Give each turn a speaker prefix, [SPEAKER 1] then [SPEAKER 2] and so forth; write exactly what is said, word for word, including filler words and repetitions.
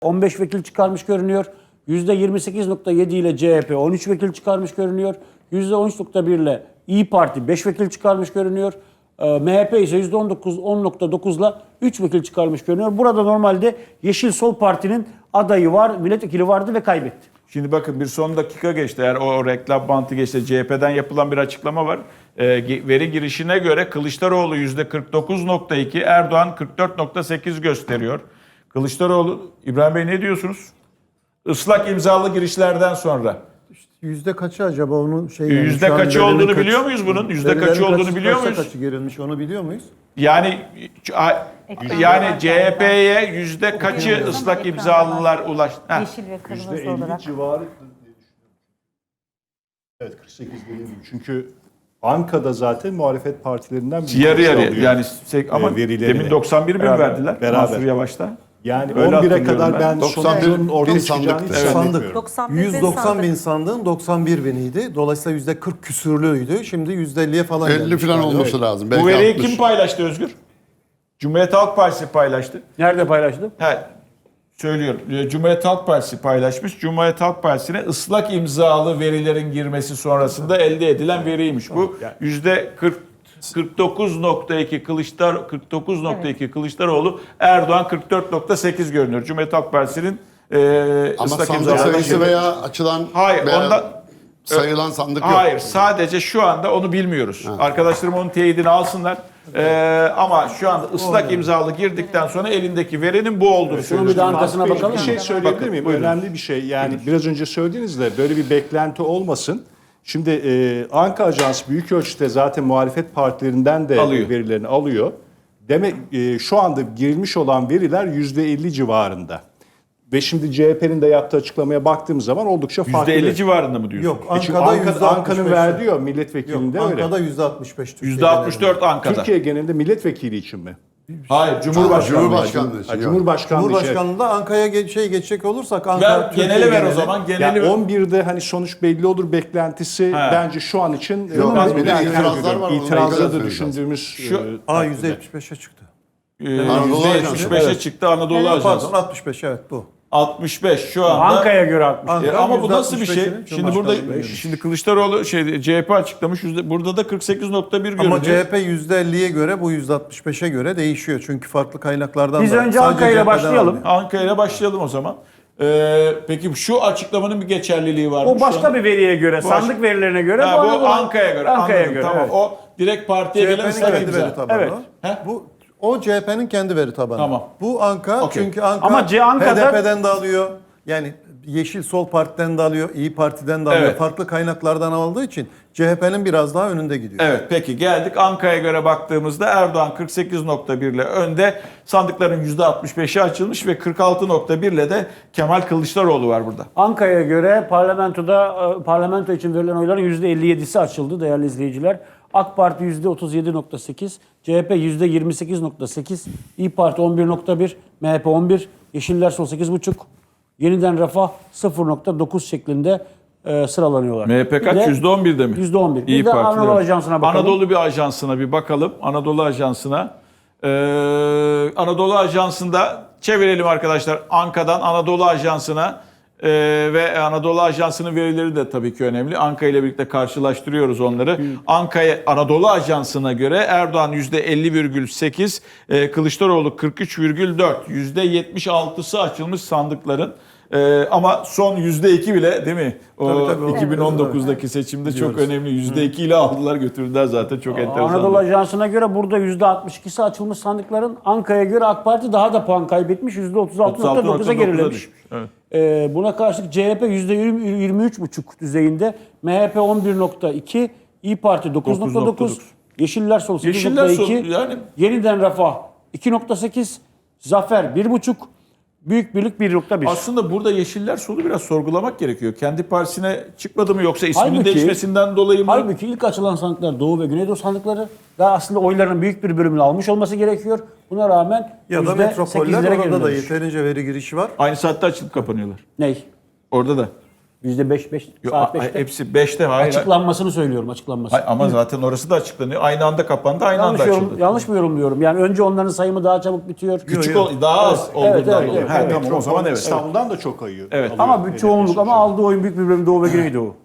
[SPEAKER 1] on beş vekil çıkarmış görünüyor. yüzde yirmi sekiz nokta yedi ile C H P on üç vekil çıkarmış görünüyor. yüzde on üç nokta bir ile İyi Parti beş vekil çıkarmış görünüyor. M H P ise yüzde on dokuz nokta dokuz ile üç vekil çıkarmış görünüyor. Burada normalde Yeşil Sol Parti'nin adayı var, milletvekili vardı ve kaybetti.
[SPEAKER 2] Şimdi bakın bir son dakika geçti. Eğer o, o reklam bantı geçti. C H P'den yapılan bir açıklama var. E, veri girişine göre Kılıçdaroğlu yüzde kırk dokuz nokta iki, Erdoğan kırk dört nokta sekiz gösteriyor. Kılıçdaroğlu, İbrahim Bey ne diyorsunuz? Islak imzalı girişlerden sonra.
[SPEAKER 3] Yüzde kaçı acaba onun şey?
[SPEAKER 2] Yani yüzde kaçı olduğunu kaç, biliyor muyuz bunun? Yüzde kaçı olduğunu kaç, biliyor muyuz?
[SPEAKER 3] Kaçı girilmiş onu biliyor muyuz?
[SPEAKER 2] Yani yani C H P'ye yüzde kaçı ıslak imzalılar ulaştı?
[SPEAKER 4] Yeşil ve kırmızı
[SPEAKER 5] yüzde elli
[SPEAKER 4] olarak.
[SPEAKER 5] civarı diye düşünüyorum. Evet kırk sekiz dediğim gibi. Çünkü Anka'da zaten muhalefet partilerinden bir
[SPEAKER 2] yarı yarı yani ama
[SPEAKER 5] verilerini.
[SPEAKER 2] demin doksan bir bin
[SPEAKER 5] beraber,
[SPEAKER 2] verdiler
[SPEAKER 5] beraber.
[SPEAKER 2] Mansur Yavaş'ta.
[SPEAKER 5] Yani
[SPEAKER 2] öyle
[SPEAKER 5] on bire kadar ben
[SPEAKER 6] sonucun ortaya çıkacağını hiç
[SPEAKER 3] sandık. yüz doksan
[SPEAKER 4] sandık.
[SPEAKER 3] bin sandığın doksan bir biniydi. Dolayısıyla yüzde kırk küsürlüydü. Şimdi yüzde elliye falan
[SPEAKER 6] elli falan olması evet. lazım.
[SPEAKER 2] Bu veriyi kim paylaştı Özgür? Cumhuriyet Halk Partisi paylaştı.
[SPEAKER 1] Nerede paylaştı?
[SPEAKER 2] Evet. Söylüyorum. Cumhuriyet Halk Partisi paylaşmış. Cumhuriyet Halk Partisi'ne ıslak imzalı verilerin girmesi sonrasında elde edilen veriymiş bu. yüzde kırk kırk dokuz nokta iki Kılıçdar kırk dokuz nokta iki evet. Kılıçdaroğlu, Erdoğan kırk dört nokta sekiz görünüyor. Cumhuriyet Halk Partisi'nin e,
[SPEAKER 6] ama
[SPEAKER 2] ıslak
[SPEAKER 6] sandık sayısı
[SPEAKER 2] girmesi.
[SPEAKER 6] veya açılan
[SPEAKER 2] hayır,
[SPEAKER 6] veya
[SPEAKER 2] onda
[SPEAKER 6] sayılan sandık yok.
[SPEAKER 2] Hayır, sadece şu anda onu bilmiyoruz. Ha. Arkadaşlarım onun teyidini alsınlar. Ee, ama şu anda ıslak imzalı girdikten sonra elindeki verinin bu olduğunu
[SPEAKER 1] Şunu bir de arkasına bakalım.
[SPEAKER 5] Bir şey söyleyebilir
[SPEAKER 2] Bakın,
[SPEAKER 5] miyim?
[SPEAKER 2] buyurun.
[SPEAKER 5] Önemli bir şey. Yani buyurun. Biraz önce söylediğinizde böyle bir beklenti olmasın. Şimdi e, Anka Ajansı büyük ölçüde zaten muhalefet partilerinden de alıyor. verilerini alıyor. Demek e, şu anda girilmiş olan veriler yüzde elli civarında. Ve şimdi C H P'nin de yaptığı açıklamaya baktığımız zaman oldukça farklı.
[SPEAKER 2] yüzde elli civarında mı diyorsun?
[SPEAKER 3] Yok,
[SPEAKER 5] Anka'da
[SPEAKER 3] Anka'da
[SPEAKER 5] Anka'nın verdiği o milletvekilinde
[SPEAKER 3] Yok,
[SPEAKER 5] öyle.
[SPEAKER 3] Anka'da yüzde altmış beş.
[SPEAKER 2] yüzde altmış dört Anka'da.
[SPEAKER 5] Türkiye genelinde milletvekili için mi?
[SPEAKER 2] Hayır, Cumhurbaşkanlığı.
[SPEAKER 6] Cumhurbaşkanlığı için.
[SPEAKER 5] Ha, Cumhurbaşkanlığı,
[SPEAKER 3] Cumhurbaşkanlığında Anka'ya ge- şey geçecek olursak Anka
[SPEAKER 2] Ver, genele ver o zaman. Geneli
[SPEAKER 5] ya
[SPEAKER 2] ver.
[SPEAKER 5] on birde hani sonuç belli olur beklentisi
[SPEAKER 2] He.
[SPEAKER 5] bence şu an için
[SPEAKER 6] Yok,
[SPEAKER 5] biraz
[SPEAKER 6] bir de
[SPEAKER 5] erken
[SPEAKER 6] itirazlar
[SPEAKER 5] görüyorum.
[SPEAKER 6] var,
[SPEAKER 5] İtirazda
[SPEAKER 6] onu
[SPEAKER 5] da
[SPEAKER 6] da
[SPEAKER 5] düşündüğümüz
[SPEAKER 2] Şu-
[SPEAKER 5] e,
[SPEAKER 3] A yüzde yetmiş beşe çıktı.
[SPEAKER 2] Ee,
[SPEAKER 6] Anadolu
[SPEAKER 2] yüzde
[SPEAKER 6] Ajansı.
[SPEAKER 2] yetmiş beşe
[SPEAKER 3] Evet.
[SPEAKER 2] çıktı Anadolu
[SPEAKER 3] Evet,
[SPEAKER 2] Ajansı.
[SPEAKER 3] pardon altmış beş evet bu.
[SPEAKER 2] altmış beş şu anda.
[SPEAKER 1] Anka'ya göre altmış.
[SPEAKER 3] Ankara
[SPEAKER 2] E, ama bu nasıl bir şey?
[SPEAKER 3] yüzde altmış beşini
[SPEAKER 2] Şimdi burada
[SPEAKER 3] Cumhurbaşkanlığı
[SPEAKER 2] şimdi Kılıçdaroğlu şey C H P açıklamış. yüzde, burada da kırk sekiz nokta bir görünüyor.
[SPEAKER 3] Ama C H P yüzde elliye göre bu yüzde altmış beşe göre değişiyor. Çünkü farklı kaynaklardan
[SPEAKER 1] Biz
[SPEAKER 3] da.
[SPEAKER 1] önce
[SPEAKER 3] Sadece
[SPEAKER 1] Anka ile
[SPEAKER 3] C H P'den
[SPEAKER 1] başlayalım.
[SPEAKER 3] almıyor.
[SPEAKER 2] Anka ile başlayalım o zaman. Ee, peki şu açıklamanın bir geçerliliği var mı?
[SPEAKER 1] O başka bir veriye göre, sandık verilerine göre.
[SPEAKER 2] Ha, bu
[SPEAKER 1] Anadolu-
[SPEAKER 2] Anka'ya göre.
[SPEAKER 1] Anka'ya
[SPEAKER 2] Anladım,
[SPEAKER 1] göre.
[SPEAKER 2] tamam.
[SPEAKER 1] Evet.
[SPEAKER 2] O direkt partiye gelen
[SPEAKER 3] C H P'nin
[SPEAKER 2] ıslak
[SPEAKER 3] kendi
[SPEAKER 2] imza.
[SPEAKER 3] veri tabanı.
[SPEAKER 1] Evet.
[SPEAKER 3] o.
[SPEAKER 2] He?
[SPEAKER 3] Bu o C H P'nin kendi veri tabanı.
[SPEAKER 2] Tamam.
[SPEAKER 3] Bu Anka
[SPEAKER 2] Okey.
[SPEAKER 3] çünkü Anka
[SPEAKER 1] Ama C- Anka'da-
[SPEAKER 3] H D P'den de alıyor. Yani Yeşil Sol Parti'den de alıyor, İyi Parti'den de alıyor.
[SPEAKER 2] Evet.
[SPEAKER 3] Farklı kaynaklardan aldığı için C H P'nin biraz daha önünde gidiyor.
[SPEAKER 2] Evet peki geldik Anka'ya göre baktığımızda Erdoğan kırk sekiz nokta bir ile önde. Sandıkların yüzde altmış beşi açılmış ve kırk altı nokta bir ile de Kemal Kılıçdaroğlu var burada.
[SPEAKER 1] Anka'ya göre parlamentoda e, parlamento için verilen oyların yüzde elli yedisi açıldı değerli izleyiciler. AK Parti yüzde otuz yedi nokta sekiz, C H P yüzde yirmi sekiz nokta sekiz, İyi Parti on bir nokta bir, M H P on bir, Yeşiller Sol sekiz buçuk, Yeniden Refah sıfır nokta dokuz şeklinde e, sıralanıyorlar.
[SPEAKER 2] M H P kaç? yüzde on birde mi?
[SPEAKER 1] yüzde on bir.
[SPEAKER 2] İyi
[SPEAKER 1] Bir de
[SPEAKER 2] Parti,
[SPEAKER 1] Anadolu
[SPEAKER 2] evet.
[SPEAKER 1] Ajansı'na bakalım.
[SPEAKER 2] Anadolu bir ajansına bir bakalım. Anadolu Ajansı'na. Ee, Anadolu Ajansı'nda çevirelim arkadaşlar. Anka'dan Anadolu Ajansı'na ee, ve Anadolu Ajansı'nın verileri de tabii ki önemli. Anka ile birlikte karşılaştırıyoruz onları. Anka'ya Anadolu Ajansı'na göre Erdoğan yüzde elli virgül sekiz, e, Kılıçdaroğlu kırk üç virgül dört. yüzde yetmiş altısı açılmış sandıkların. Ee, ama son yüzde iki bile değil mi? O
[SPEAKER 3] Tabii, tabii,
[SPEAKER 2] iki bin on dokuzdaki seçimde çok önemli. yüzde iki ile aldılar götürdüler zaten çok enteresan.
[SPEAKER 1] Anadolu Ajansı'na göre burada yüzde altmış ikisi açılmış sandıkların. Anka'ya göre AK Parti daha da puan kaybetmiş. yüzde otuz altı nokta dokuza gerilemiş.
[SPEAKER 2] Evet.
[SPEAKER 1] Ee, buna karşılık C H P yüzde yirmi üç buçuk düzeyinde. M H P on bir nokta iki, İyi Parti dokuz nokta dokuz, Yeşiller Sol sekiz nokta iki,
[SPEAKER 2] Yeşiller Sol yani
[SPEAKER 1] Yeniden Refah iki nokta sekiz, Zafer bir buçuk, Büyük Birlik bir nokta bir.
[SPEAKER 2] Aslında burada Yeşiller Sol'u biraz sorgulamak gerekiyor. Kendi partisine çıkmadı mı yoksa isminin
[SPEAKER 1] Halbuki-
[SPEAKER 2] değişmesinden dolayı mı?
[SPEAKER 1] Halbuki ilk açılan sandıklar Doğu ve Güneydoğu sandıkları daha aslında oyların büyük bir bölümünü almış olması gerekiyor. Buna rağmen
[SPEAKER 3] Ya da
[SPEAKER 1] yüzde
[SPEAKER 3] metropoller
[SPEAKER 1] sekizlere
[SPEAKER 3] orada da
[SPEAKER 1] gerilemiş.
[SPEAKER 3] yeterince veri girişi var.
[SPEAKER 2] Aynı saatte açılıp kapanıyorlar.
[SPEAKER 1] Ney?
[SPEAKER 2] Orada da.
[SPEAKER 1] yüzde beş, beş,
[SPEAKER 2] Yo,
[SPEAKER 1] saat
[SPEAKER 2] a-
[SPEAKER 1] beşte.
[SPEAKER 2] hepsi beşte hayır.
[SPEAKER 1] Açıklanmasını söylüyorum, açıklanması.
[SPEAKER 2] Hayır, ama zaten orası da açıklanıyor. Aynı anda kapandı, aynı
[SPEAKER 1] Yanlış,
[SPEAKER 2] anda
[SPEAKER 1] yorum,
[SPEAKER 2] açıldı.
[SPEAKER 1] yanlış mı yorumluyorum? Yani önce onların sayımı daha çabuk bitiyor.
[SPEAKER 2] Küçük ol, daha az
[SPEAKER 1] Evet,
[SPEAKER 2] olduğundan
[SPEAKER 1] evet,
[SPEAKER 2] dolayı.
[SPEAKER 1] evet,
[SPEAKER 2] Ha,
[SPEAKER 1] evet.
[SPEAKER 2] tamam o zaman evet.
[SPEAKER 5] İstanbul'dan da çok ayıyor.
[SPEAKER 2] Evet.
[SPEAKER 5] alıyor.
[SPEAKER 1] Ama bir çoğunluk ama aldığı oyun büyük bir bölüm Doğu ve Güneydoğu.